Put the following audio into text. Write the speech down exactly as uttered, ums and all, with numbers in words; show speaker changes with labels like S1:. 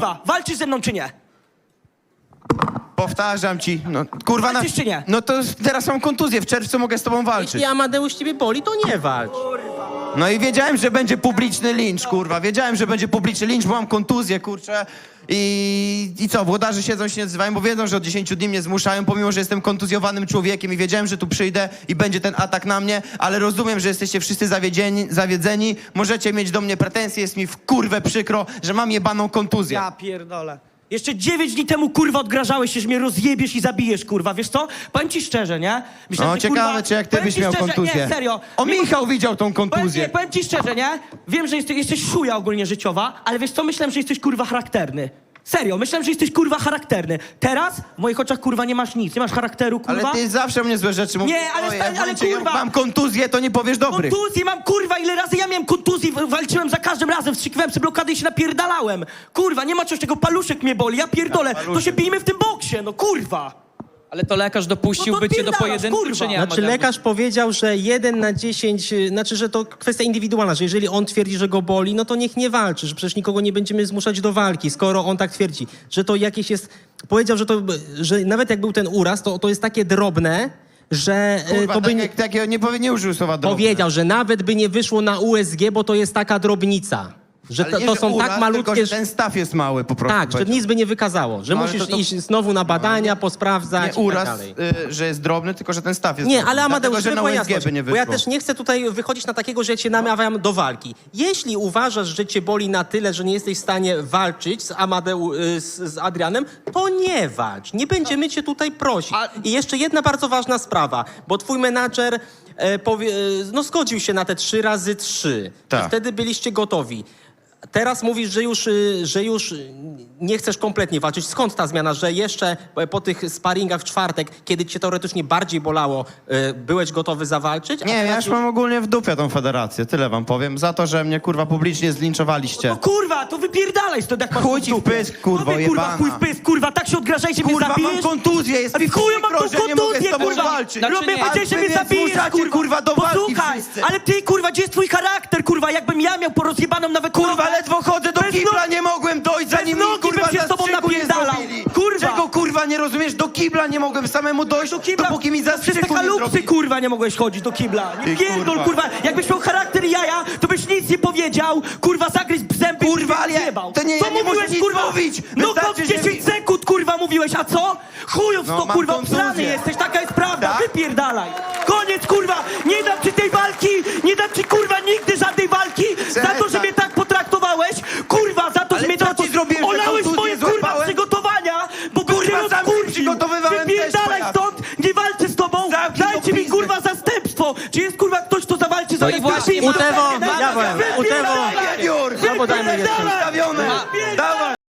S1: kurwa, walczysz ze mną czy nie?
S2: Powtarzam ci, no kurwa na...
S1: Walczysz czy nie?
S2: No to teraz mam kontuzję, w czerwcu mogę z tobą walczyć.
S3: Jeśli Amadeusz ciebie boli, to nie walcz.
S2: No i wiedziałem, że będzie publiczny lincz, kurwa. Wiedziałem, że będzie publiczny lincz, bo mam kontuzję, kurczę. I, I co, włodarze siedzą, się nie odzywają, bo wiedzą, że od dziesięciu dni mnie zmuszają, pomimo, że jestem kontuzjowanym człowiekiem i wiedziałem, że tu przyjdę i będzie ten atak na mnie, ale rozumiem, że jesteście wszyscy zawiedzeni, zawiedzeni. Możecie mieć do mnie pretensje, jest mi w kurwę przykro, że mam jebaną kontuzję.
S1: Ja pierdolę. Jeszcze dziewięć dni temu, kurwa, odgrażałeś się, że mnie rozjebiesz i zabijesz, kurwa, wiesz co? Powiem ci szczerze, nie? Myślałem,
S2: No
S1: że,
S2: ciekawe,
S1: kurwa,
S2: czy jak ty
S1: powiem
S2: byś
S1: ci
S2: miał
S1: szczerze,
S2: kontuzję.
S1: Nie, serio.
S2: O,
S1: Mimo-
S2: Michał widział tą
S1: Powiem,
S2: kontuzję.
S1: nie, powiem ci szczerze, nie? Wiem, że jesteś, jesteś szuja ogólnie życiowa, ale wiesz co? Myślałem, że jesteś, kurwa, charakterny. Serio, myślałem, że jesteś, kurwa, charakterny. Teraz w moich oczach, kurwa, nie masz nic, nie masz charakteru, kurwa.
S2: Ale ty zawsze mnie złe rzeczy mówisz.
S1: Nie, ale
S2: Oj,
S1: sta-
S2: jak
S1: ale
S2: będzie- jak
S1: kurwa-
S2: mam kontuzję, to nie powiesz dobrych.
S1: Kontuzję mam, kurwa, ile razy ja miałem kontuzji, w- walczyłem za każdym razem, wstrzyknąłem sobie blokady i się napierdalałem. Kurwa, nie ma czegoś, czego paluszek mnie boli, ja pierdolę, to się bijmy w tym boksie, no kurwa.
S4: Ale to lekarz dopuściłby
S1: No to
S4: cię do
S1: odpierdalasz,
S4: pojedynku,
S1: kurwa.
S4: czy nie?
S3: Znaczy
S4: Amadeusz?
S3: lekarz powiedział, że jeden na dziesięć, y, znaczy, że to kwestia indywidualna, że jeżeli on twierdzi, że go boli, no to niech nie walczy, że przecież nikogo nie będziemy zmuszać do walki, skoro on tak twierdzi, że to jakieś jest, powiedział, że to, że nawet jak był ten uraz, to, to jest takie drobne, że y,
S2: Kurwa,
S3: to by
S2: tak,
S3: nie,
S2: jak, tak, nie, powie- nie użył słowa drobne.
S3: powiedział, że nawet by nie wyszło na U S G, bo to jest taka drobnica, że
S2: Ale
S3: to,
S2: nie,
S3: to
S2: że
S3: są
S2: uraz,
S3: tak malutkie,
S2: tylko, że ten staw jest mały po prostu.
S3: tak, że
S2: powiedział.
S3: nic by nie wykazało, że
S2: No, ale
S3: musisz
S2: to- to-
S3: iść znowu na badania, posprawdzać
S2: Nie
S3: i tak
S2: uraz,
S3: dalej.
S2: y, że jest drobny, tylko że ten staw jest
S3: Nie,
S2: drobny.
S3: ale Amadeusz,
S2: Dlatego, że
S3: żeby
S2: na
S3: była
S2: U S G
S3: jasność,
S2: by nie
S3: bo
S2: wyszło.
S3: ja też nie chcę tutaj wychodzić na takiego, że ja cię namawiam do walki. Jeśli uważasz, że cię boli na tyle, że nie jesteś w stanie walczyć z Amadeu, y, z, z Adrianem, to nie walcz. Nie będziemy cię tutaj prosić.
S1: A-
S3: I jeszcze jedna bardzo ważna sprawa, bo twój menadżer e, powie, e, no, zgodził się na te trzy razy trzy.
S2: Tak.
S3: I wtedy byliście gotowi. Teraz mówisz, że już, y, że już nie chcesz kompletnie walczyć. Skąd ta zmiana, że jeszcze po tych sparingach w czwartek, kiedy cię teoretycznie bardziej bolało, y, byłeś gotowy zawalczyć? a
S2: Nie,
S3: teraz
S2: ja już mam ogólnie w dupie tą federację, tyle wam powiem. Za to, że mnie kurwa publicznie zlinczowaliście.
S1: No kurwa, to wypierdalaj stąd, jak masz
S2: Chuj
S1: w
S2: ci w
S1: dupie.
S2: pysk, kurwo,
S1: No wy, kurwa,
S2: jebana.
S1: chuj w pysk, kurwa, tak się odgrażaj, że mnie
S2: Kurwa,
S1: zabijesz.
S2: mam kontuzję, jest
S1: A
S2: mi
S1: chuju mam
S2: przykro,
S1: tą
S2: że nie mogę z
S1: kontuzję,
S2: tobą
S1: kurwa.
S2: walczyć.
S4: Znaczy
S1: Robię,
S4: nie.
S1: powiedziałeś, że
S2: A
S1: mnie
S2: wy mnie
S1: zabijesz,
S2: zmuszacie,
S1: kurwa.
S2: kurwa, do walki
S1: Posłuchaj,
S2: wszyscy.
S1: ale ty, kurwa, gdzie jest twój charakter, kurwa, jakbym ja miał porozjebaną nawet
S2: Kurwa, ledwo chodzę do
S1: Bez
S2: kibla,
S1: no-
S2: nie mogłem dojść, zanim mi
S1: nogi
S2: kurwa
S1: bym się z tobą
S2: zastrzyku nie
S1: napierdalał.
S2: zrobili.
S1: Kurwa.
S2: Czego kurwa nie rozumiesz? Do kibla nie mogłem samemu dojść,
S1: Do kibla,
S2: dopóki mi
S1: przez te
S2: zastrzyku nie
S1: kalupsy,
S2: zrobili.
S1: kurwa, nie mogłeś chodzić do kibla. Nie
S2: Ty,
S1: pierdol,
S2: kurwa.
S1: kurwa. Jakbyś miał charakter jaja, to byś nic nie powiedział, kurwa, zagryź zęby
S2: Kurwa,
S1: i
S2: ale ja-
S1: zjebał.
S2: to nie-
S1: Co
S2: ja nie
S1: mówiłeś,
S2: muszę nic
S1: kurwa?
S2: mówić.
S1: No
S2: Wystarczy,
S1: to
S2: że
S1: dziesięć
S2: mi-
S1: sekund, kurwa, mówiłeś, a co? Chujów
S2: No,
S1: to,
S2: mam
S1: kurwa,
S2: kontuzję.
S1: obsrany jesteś, taka jest prawda,
S2: Tak?
S1: wypierdalaj. Koniec, kurwa, nie dam ci tej walki, nie dam ci, kurwa, nigdy żadnej walki, za to, że
S2: Przestań.
S1: mnie tak potraktowałeś, kurwa, za to,
S2: Ale
S1: że mnie
S2: co
S1: tak
S2: ci zrobiłem, że
S1: olałeś
S2: kontuzję
S1: moje, kurwa,
S2: złapałem?
S1: przygotowania, bo bym
S2: Kurwa,
S1: cię
S2: sam się
S1: rozkurwił.
S2: przygotowywałem też,
S1: Wypierdalaj
S2: pojazd.
S1: stąd, nie walczę z tobą,
S2: Zamknij
S1: dajcie
S2: tą
S1: mi,
S2: pizdę.
S1: kurwa, zastępstwo. Czy jest, kurwa, ktoś, kto zawalczy za
S4: No i właśnie,
S3: Utewo, dawaj, Utewo.
S2: Junior!
S3: Albo dajmy jeszcze.
S2: Ustawione! Dawaj!